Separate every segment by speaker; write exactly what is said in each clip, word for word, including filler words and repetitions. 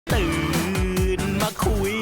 Speaker 1: ตื่นมาคุย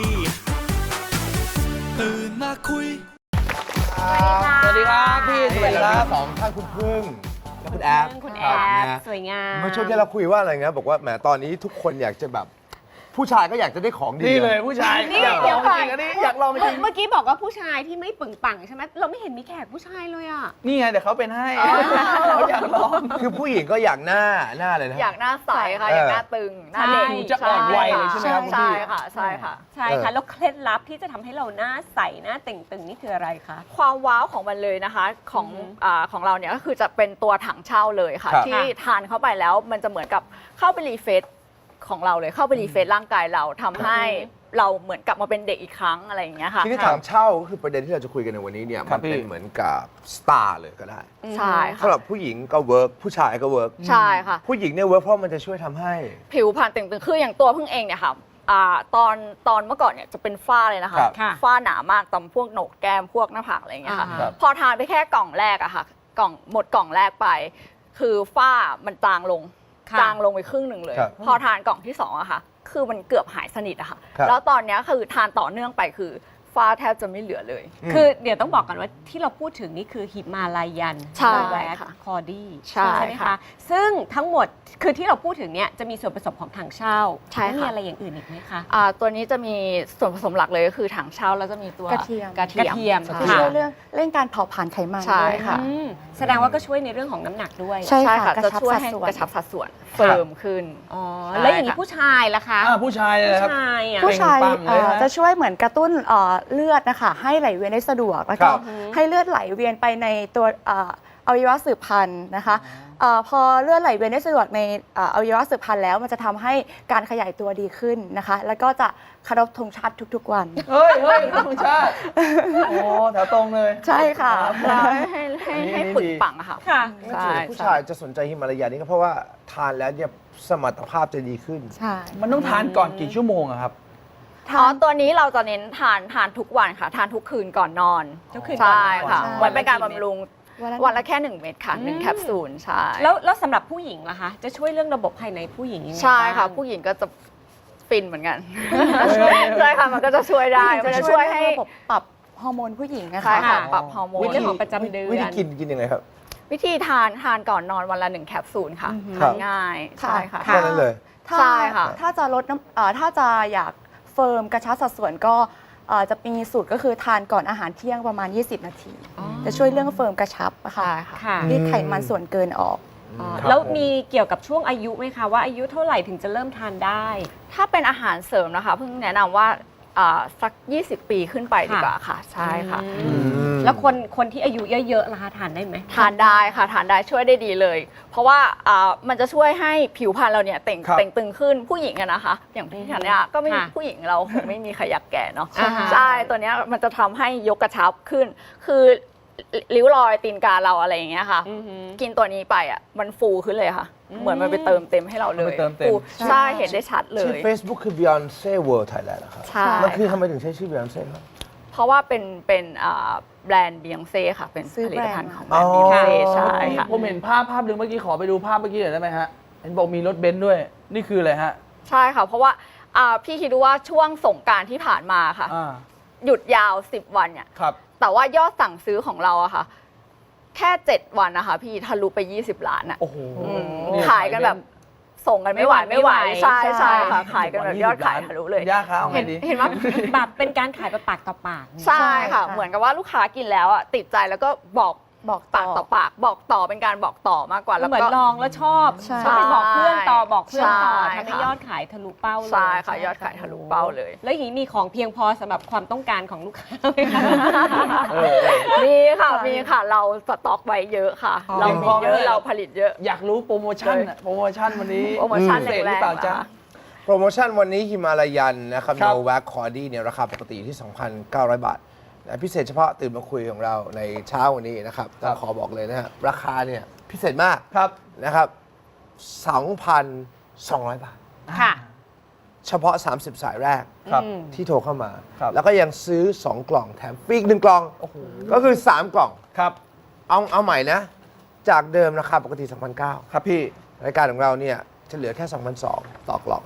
Speaker 1: ตื่นมาคุย
Speaker 2: สวัสดีครับพี่สวัสดีครับ
Speaker 3: สองท่านคุณพึ่งและคุณแอฟ
Speaker 4: คุณแอฟสวยงาม
Speaker 3: เมื่อช่วงที่เราคุยว่าอะไรเงี้ยบอกว่าแหมตอนนี้ทุกคนอยากจะแบบผู้ชายก็อยากจะได้ของดี
Speaker 2: นี่เลยผู้ชาย
Speaker 4: นี่
Speaker 2: อยากล
Speaker 4: เดี๋
Speaker 2: อย ง
Speaker 4: วก่อน
Speaker 2: จริงอันนี้อยากลองจริง
Speaker 4: เมื่อกี้บอกว่าผู้ชายที่ไม่ปึงปังใช่ไหมเราไม่เห็นมีแขกผู้ชายเลยอ่ะ
Speaker 2: นี่ไงเดี๋ยวเขาเป็นให้เขาอยากลอง
Speaker 3: คือผู้หญิงก็อยากหน้าหน้าเลยนะ
Speaker 5: อยากหน้าใสค่ะ
Speaker 3: เออ
Speaker 5: อ
Speaker 3: อ
Speaker 5: ยากหน้าตึงหน้าเด็ก
Speaker 4: ใช่
Speaker 2: จะอ่อนวัยเลยใช่ไหมครับคุณ
Speaker 5: ใช่
Speaker 2: พี่
Speaker 5: ค่ะใช่ค่ะ
Speaker 4: ใช่ค่ะแล้วเคล็ดลับที่จะทำให้เราหน้าใสหน้าเต่งตึงนี่คืออะไรคะ
Speaker 5: ความว้าวของมันเลยนะคะของ
Speaker 4: อือฮึ
Speaker 5: อ่าของเราเนี่ยก็คือจะเป็นตัวถังเช่าเลยค่ะ
Speaker 3: ครับ
Speaker 5: ที่ทานเข้าไปแล้วมันจะเหมือนกับเข้าไปรีเฟรชของเราเลยเข้าไปรีเฟรชร่างกายเราทำให้เราเหมือนกลับมาเป็นเด็กอีกครั้งอะไรอย่างเงี้ยค่ะ
Speaker 3: ทีนี้ถามเช่าก็คือประเด็นที่เราจะคุยกันในวันนี้เนี่ย
Speaker 2: ครั
Speaker 3: มั
Speaker 2: บ
Speaker 3: น
Speaker 2: พี่
Speaker 3: เป็นเหมือนกับสตาร์เลยก็ได้
Speaker 5: ใช่ค่ะ
Speaker 3: สำหรับผู้หญิงก็เวิร์กผู้ชายก็เวิร์ก
Speaker 5: ใช่ค่ะ
Speaker 3: ผู้หญิงเนี่ยเวิร์กเพราะมันจะช่วยทำให้
Speaker 5: ผิวพรรณเต่งตึงคืออย่างตัวพึ่งเองเนี่ยค่ะอ่าตอนตอนเมื่อก่อนเนี่ยจะเป็นฝ้าเลยนะคะ
Speaker 3: ครับ
Speaker 4: ค่ะ
Speaker 5: ฝ้าหนามากตามพวกโหนกแก้มพวกหน้าผากอะไรอย่างเงี้ยค่ะ
Speaker 4: อ่าครับ
Speaker 5: พอทานไปแค่กล่องแรกอะค่ะกล่องหมดกล่องแรกไป คือฝ้ามันจางลง
Speaker 4: ค่ะ
Speaker 5: จางลงไปครึ่งหนึ่งเลย
Speaker 3: ครับ
Speaker 5: พอทานกล่องที่สองอะค่ะ คือมันเกือบหายสนิทอะค่ะ
Speaker 3: ครับ
Speaker 5: แล้วตอนเนี้ยคือทานต่อเนื่องไปคือฝ้าแทบจะไม่เหลือเลย
Speaker 3: อืม
Speaker 4: คือเดี๋ยวต้องบอกกันว่าที่เราพูดถึงนี่คือหิมาลายัน
Speaker 5: ใช่
Speaker 4: แว
Speaker 5: ค่ะ
Speaker 4: คอดี้
Speaker 5: ใช่
Speaker 4: ไหม
Speaker 5: ค่ะ
Speaker 4: คะซึ่งทั้งหมดคือที่เราพูดถึงเนี่ยจะมีส่วนผสมของถังเช่า
Speaker 5: ใช่ค่ะ
Speaker 4: แล้วมีอะไรอย่างอื่นอีกไหมคะ
Speaker 5: อ่าตัวนี้จะมีส่วนผสมหลักเลยก็คือถังเช่าแล้วจะมีตัว
Speaker 6: กระเทียม
Speaker 5: กระเทียม
Speaker 4: กระเทียม
Speaker 5: ใช่
Speaker 6: ที่
Speaker 4: ค่ะ
Speaker 6: ช่วยเรื่องเร่งการเผาผลาญไขมัน
Speaker 5: ใช่
Speaker 6: ด้วย
Speaker 5: ค่ะ
Speaker 4: อืมแสดงว่าก็ช่วยในเรื่องของน้ำหนักด้วย
Speaker 6: ใช่
Speaker 5: ใช่
Speaker 6: ค่ะ
Speaker 5: ค่ะ
Speaker 6: กระ
Speaker 5: จะ
Speaker 6: ชับ
Speaker 5: ช่วย
Speaker 6: สัด
Speaker 5: ให้
Speaker 6: ส่วน
Speaker 5: กระชับสัดส่วนเฟิร์มขึ้น
Speaker 4: อ๋อ
Speaker 5: ใช่
Speaker 4: แล้วอย่างนี้
Speaker 5: ค่ะ
Speaker 4: ผู้ชายล่ะคะ
Speaker 2: อ่าผู้ชายเลย
Speaker 4: ผู้
Speaker 2: ครับ
Speaker 4: ชายอ่ะ
Speaker 6: ผู้ชาย
Speaker 2: เปล่งปลั่งเลย
Speaker 6: เอ่อ
Speaker 2: นะ
Speaker 6: จะช่วยเหมือนกระตุ้นเอ่อเลือดนะคะให้ไหลเวียนได้สะดวกแล้ว
Speaker 3: ครั
Speaker 6: ก็
Speaker 3: บ
Speaker 6: ให้เลือดไหลเวียนไปในตัวเอ่ออวัยวะสืบพันธุ์นะคะเอ่อพอเลือดไหลเวียนได้สะดวกในเอ่ออวัยวะสืบพันธุ์แล้วมันจะทำให้การขยายตัวดีขึ้นนะคะ แล้วก็จะเคารพธงชาติทุกๆวัน
Speaker 2: เฮ้ยเฮ้ยธรรมชาติโอ้แถวตรงเลย
Speaker 6: ใช่ค่ะ
Speaker 5: ให้ให้
Speaker 2: อันนี้
Speaker 5: ให้
Speaker 2: อันนี้
Speaker 5: ปึก
Speaker 2: ดี
Speaker 5: ปังอะค่ะ
Speaker 4: ค่ะ
Speaker 5: ใช่
Speaker 3: ผู้ชายจะสนใจฮิมาลายันนี่ก็เพราะว่าทานแล้วเนี่ยสมรรถภาพจะดีขึ้น
Speaker 6: ใช่
Speaker 2: มันต้องทานก่อนกี่ชั่วโมงอะครับ
Speaker 5: อ๋อตัวนี้เราจะเน้นทานทานทุกวันค่ะ ทานทุกคืนก่อนนอน
Speaker 4: ทุกคืนก่อนนอน
Speaker 5: ใช่ค่ะ
Speaker 6: ใช่
Speaker 5: เหมือนเป็นการบำรุง
Speaker 6: วันละ
Speaker 5: วันละแค่หนึ่งเม็ดค่ะหนึ่ง
Speaker 4: อืม
Speaker 5: แคปซูลใช่
Speaker 4: แล้วแล้วสำหรับผู้หญิงล่ะคะ จะช่วยเรื่องระบบภายในผู้หญิงยังไง
Speaker 5: ใช่ค่ะ
Speaker 4: บ้าง
Speaker 5: ผู้หญิงก็จะฟินเหมือนกันใช่ค่ะมันก็จะช่วยได้
Speaker 6: ผู้หญิง
Speaker 5: มัน
Speaker 6: จะ
Speaker 5: จะ
Speaker 6: ช่
Speaker 5: ช่
Speaker 6: ว
Speaker 5: วย ย
Speaker 6: ให้
Speaker 5: ให้
Speaker 6: ระบบปรับฮอร์โมนผู้หญิงนะ
Speaker 5: ใช่
Speaker 6: คะ
Speaker 5: ค่ะ
Speaker 4: ค่ะ
Speaker 5: ปรับฮอร์โมน
Speaker 4: เรื่องของประจำเดือน
Speaker 3: วิธีกินกินยังไงครับ
Speaker 5: วิธีทานทานก่อนนอนวันละหนึ่งแคปซูลค่ะ
Speaker 3: ครั
Speaker 5: ทา
Speaker 3: บ
Speaker 5: นง่าย
Speaker 6: ค่ะ
Speaker 5: ใช่ค่ะ
Speaker 3: แค่นั้นเลย
Speaker 6: ถ้า
Speaker 5: ใช่ค่ะ
Speaker 6: ถ้าจะลดน้ำเอ่อถ้าจะอยากเฟิร์มกระชับสัดส่วนก็เอ่อจะมีสูตรก็คือทานก่อนอาหารเที่ยงประมาณ ยี่สิบ นาที
Speaker 4: อ๋อ
Speaker 6: จะช่วยเรื่องเฟิร์มกระชับอะค่ะ
Speaker 5: ใช่ค่ะ
Speaker 4: ค่ะ
Speaker 6: รีดไขมันส่วนเกินออก
Speaker 4: อ๋อ
Speaker 3: ครับ
Speaker 4: แล้ว
Speaker 3: ผม
Speaker 4: มีเกี่ยวกับช่วงอายุไหมคะว่าอายุเท่าไหร่ถึงจะเริ่มทานได้
Speaker 5: ถ้าเป็นอาหารเสริมนะคะเพิ่งแนะนำว่าอ่าสัก ยี่สิบ ปีขึ้นไปดีกว่าค่ะ ใช่ค่ะ
Speaker 4: อืมแล้วคนคนที่อายุเยอะๆล่ะคะทานได้ไหม
Speaker 5: ทานได้ค่ะทานได้ช่วยได้ดีเลย เพราะว่าอ่ามันจะช่วยให้ผิวพรรณเราเนี่ยเต่ง
Speaker 2: ครับ
Speaker 5: เต่งตึงขึ้นผู้หญิงอะนะคะ อย่างพี่ธัญญาก็ไม่
Speaker 4: ค่ะ
Speaker 5: ผู้หญิงเราคงไม่มีใครอยากแก่เนาะ
Speaker 4: อ่าฮะ
Speaker 5: ใช่ตัวเนี้ยมันจะทำให้ยกกระชับขึ้น คือริ้วรอยตีนกาเราอะไรอย่างเงี้ยค่ะ
Speaker 4: อือหือ
Speaker 5: กินตัวนี้ไปอ่ะมันฟูขึ้นเลยค่ะ
Speaker 4: อืม
Speaker 5: เหมือนมันไปเติมเต็มให้เราเลย
Speaker 2: มันไปเติมเต็ม
Speaker 5: ฟูใช่เห็นได้ชัดเล
Speaker 3: ชื่อย Facebook คือ Beyonce World Thailand นะครับ
Speaker 5: ใช่
Speaker 3: มันคือทำไมถึงใช้ชื่อ Beyonce ครับ
Speaker 5: เพราะว่าเป็นเป็นอ่าแบรนด์บียองเซ่ค่ะ เป็น
Speaker 6: ซื้อ
Speaker 5: ผลิตภัณฑ์
Speaker 6: แบรนด์
Speaker 5: ของแบรนด์บียองเซ่ใช่ค่ะ
Speaker 2: ผมเห็นภาพภาพหนึ่งเมื่อกี้ขอไปดูภาพเมื่อกี้หน่อยได้ไหมฮะ เห็นบอกมีรถเบนซ์ด้วย นี่คืออะไรฮะ
Speaker 5: ใช่ค่ะ เพราะว่าอ่าพี่คิดดูว่าช่วงสงกรานต์ที่ผ่านมาค่ะ
Speaker 2: อ่า
Speaker 5: หยุดยาว สิบ วันเนี่ย
Speaker 2: ครับ
Speaker 5: แต่ว่ายอดสั่งซื้อของเราอะค่ะ แค่ เจ็ด วันนะคะพี่ทะลุไป ยี่สิบ ล้านอะ
Speaker 2: โอ้โห
Speaker 5: อืม
Speaker 2: นี่
Speaker 5: ขายกันแบบส่งกันไม่ไหว
Speaker 4: ไม่
Speaker 5: ไม่
Speaker 4: ไห
Speaker 5: ไห
Speaker 4: ว
Speaker 5: วใช่
Speaker 4: ใช่
Speaker 5: ใช่ค่ะขายกันแบบยอดขายทะลุเลย
Speaker 2: ย่าค้าเอาไง
Speaker 5: เห็น
Speaker 2: ดี
Speaker 5: เห็นว่า
Speaker 4: แบบเป็นการขายแบบปากต่อปากเนี่ย
Speaker 5: ใช่ค่ะ
Speaker 6: ค่ะ
Speaker 5: เหมือนกับว่าลูกค้ากินแล้วอ่ะติดใจแล้วก็บอก
Speaker 6: บอก
Speaker 5: ปากต่อปากบอกต่อเป็นการบอกต่อมากกว่าแล้ว
Speaker 4: เหมือน
Speaker 5: ก็
Speaker 4: ลองแล้วชอบ
Speaker 6: ใช่
Speaker 4: ก็ไปบอกเพื่อนต่อบอกเพื่อนต่อ
Speaker 5: ใช่
Speaker 4: ทำให้
Speaker 5: ค่ะ
Speaker 4: ยอดขายทะลุเป้าเลย
Speaker 5: ใช่ค่ะยอดขายทะลุเป้าเลย
Speaker 4: แล้วอย่างนี้มีของเพียงพอสำหรับความต้องการของลูกค้าไหมคะ
Speaker 2: เออเออ
Speaker 5: มีค่ะมีค่ะเราสต็อกไว้เยอะค่ะ
Speaker 4: อ๋อ
Speaker 5: เรามีเยอะ
Speaker 2: เพียงพอไหม
Speaker 5: เราผลิตเยอะ
Speaker 2: อยากรู้โปรโมชั่นอะโปรโมชั่นวันนี้
Speaker 5: โปรโมชั่น
Speaker 2: พิเศษหรือเปล่าจ๊ะ
Speaker 5: แรงๆเหรอคะ
Speaker 3: โปรโมชั่นวันนี้ฮิมาลายันนะครับ
Speaker 2: ครับ
Speaker 3: โนแวคคอร์ดี้เนี่ยราคาปกติอยู่ที่ สองพันเก้าร้อย บาทแต่พิเศษเฉพาะตื่นมาคุยของเราในเช้าวันนี้นะครับต้องขอบอกเลยนะฮะราคาเนี่ยพิเศษมาก
Speaker 2: ครับ
Speaker 3: นะครับ สองพันสองร้อย บาท
Speaker 4: ค่ะ
Speaker 3: เฉพาะ สามสิบ สายแรก
Speaker 2: ครับ
Speaker 4: อืม
Speaker 3: ที่โทรเข้ามา
Speaker 2: ครับ
Speaker 3: แล้วก็ยังซื้อ สอง กล่องแถมฟรีอีกหนึ่งกล่อง
Speaker 2: โอ้โห
Speaker 3: ก็คือ สาม กล่อง
Speaker 2: ครับ
Speaker 3: เอาเอาใหม่นะ จากเดิมราคาปกติ สองพันเก้า
Speaker 2: ครับพี่
Speaker 3: รายการของเราเนี่ยจะเหลือแค่ สองพันสองร้อย ต่อกล่อง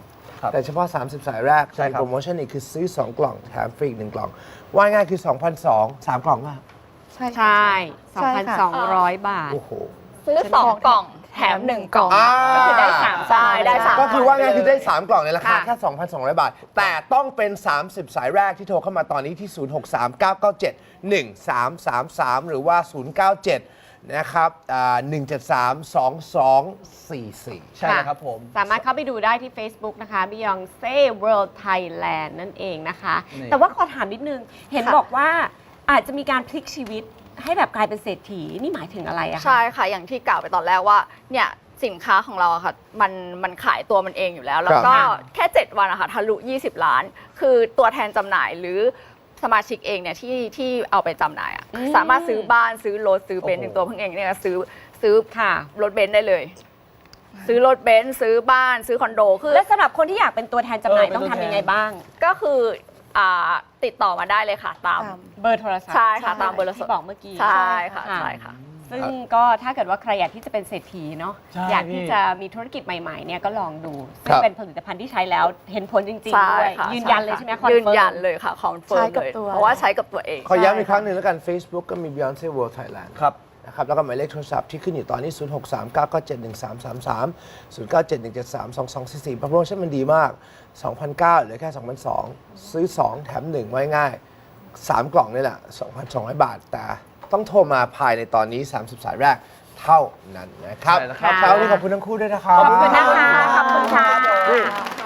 Speaker 2: ครับ
Speaker 3: แต่เฉพาะ สามสิบ สายแรก
Speaker 2: ใช่ครับ
Speaker 3: โปรโมชั่นนี้คือซื้อ สอง กล่องแถมฟรีอีกหนึ่งกล่อง ว่าง่ายคือ สองพันสองร้อย สาม กล่องป่ะ
Speaker 6: ใช่
Speaker 4: ใช่
Speaker 6: ใช่ค่ะ
Speaker 4: สองพันสองร้อย บาท
Speaker 3: โอ้โห
Speaker 5: ซื้อสองกล่องแถมหนึ่งกล่อง
Speaker 3: อ่า
Speaker 4: ก็คือได้สาม
Speaker 5: ใช่ได้สาม
Speaker 3: ก็คือว่าง่ายคือได้ สาม กล่องในราคา
Speaker 5: ค่ะ
Speaker 3: แค่ สองพันสองร้อย บาท แต่ต้องเป็น สามสิบ สายแรกที่โทรเข้ามาตอนนี้ที่ ศูนย์ หก สาม เก้า เก้า เจ็ด หนึ่ง สาม สาม สาม หรือว่า ศูนย์ เก้า เจ็ด นะครับอ่าหนึ่ง เจ็ด สาม สอง สอง สี่ สี่
Speaker 2: ใช่เลยครับผม
Speaker 4: สามารถเข้าไปดูได้ที่ Facebook นะคะ Beyonce World Thailand นั่นเองนะคะ
Speaker 2: นี่
Speaker 4: แต่ว่าขอถามนิดนึง เห็น
Speaker 5: ค่ะ
Speaker 4: บอกว่าอาจจะมีการพลิกชีวิตให้แบบกลายเป็นเศรษฐี นี่หมายถึงอะไรอะคะ
Speaker 5: ใช่ค่ะ อย่างที่กล่าวไปตอนแรกว่าเนี่ยสินค้าของเราอะค่ะมันมันขายตัวมันเองอยู่แล้ว แล้วก็
Speaker 4: ครับ
Speaker 5: แค่ เจ็ด วันอะค่ะทะลุ ยี่สิบ ล้าน คือตัวแทนจำหน่ายหรือสมาชิกเองเนี่ยที่ที่เอาไปจำหน่ายอะสามารถซื้อบ้านซื้อรถซื้อเบนซ์
Speaker 3: โอ้โห
Speaker 5: ถึงตัวเพิ่งเองเนี่ยซื้อซื้อ
Speaker 4: ค่ะ
Speaker 5: รถเบนซ์ได้เลย ซื้อรถเบนซ์ซื้อบ้านซื้อคอนโดคือ
Speaker 4: และสำหรับคนที่อยากเป็นตัวแทนจำหน่าย
Speaker 2: เออเป็น
Speaker 4: ต้อง
Speaker 2: ตัวแทน
Speaker 4: ทำยังไงบ้าง
Speaker 5: ก็คืออ่าติดต่อมาได้เลยค่ะ ตาม
Speaker 6: ตาม
Speaker 4: เบอร์โทรศัพท์
Speaker 5: ใช่ค่ะตามเบอร์โทรศั
Speaker 4: ที่
Speaker 5: พท์
Speaker 4: บอกเมื่อกี้
Speaker 5: ใช่ค่ะ
Speaker 4: ค่ะ
Speaker 5: ใช่ค่ะ
Speaker 4: ซึ่งก็ถ้าเกิดว่าใครอยากที่จะเป็นเศรษฐีเนาะ
Speaker 2: ใช่
Speaker 4: อยากที่
Speaker 2: พี่
Speaker 4: จะมีธุรกิจใหม่ๆเนี่ยก็ลองดูซึ่
Speaker 3: ค
Speaker 4: ง
Speaker 3: รับ
Speaker 4: เป็นผลิตภัณฑ์ที่ใช้แล้วเห็นผลจริง
Speaker 5: ใช่
Speaker 4: ๆด้วย
Speaker 5: ค่ะ
Speaker 4: ยืนยันเลยใช่ไหมคอน
Speaker 5: ยื
Speaker 4: เฟิ
Speaker 5: น
Speaker 4: ร์ม
Speaker 5: ยันเลยค่ะคอนเฟิร์ม
Speaker 6: ใช้กับ
Speaker 5: เลย
Speaker 6: ตัว
Speaker 5: เพราะว่าใช้กับตัวเอง
Speaker 3: ขอย้ำอีกครั้งหนึ่งแล้วกัน Facebook ก็มี Beyonce World Thailand
Speaker 2: ครับ
Speaker 3: นะครับแล้วก็หมายเลขโทรศัพท์ที่ขึ้นอยู่ตอนนี้ ศูนย์ หก สาม เก้า เก้า เจ็ด หนึ่ง สาม สาม สาม ศูนย์ เก้า เจ็ด หนึ่ง เจ็ด สาม สอง สอง สี่ สี่ โปรโมชั่นมันดีมาก สองพันเก้าร้อย เหลือแค่ สองพันสองร้อย ซื้อ สอง แถม หนึ่ง ไว้ง่าย สาม กล่องนี่แหละ สองพันสองร้อย บาท แต่ต้องโทรมาภายในตอนนี้ สามสิบ สายแรกเท่านั้นนะครับ
Speaker 2: ใช่แล้วครับ
Speaker 3: เช้านี้ขอบคุณทั้งคู่ด้วยนะครับ
Speaker 4: ขอบคุณนะคะขอบคุณค่ะ
Speaker 3: นี่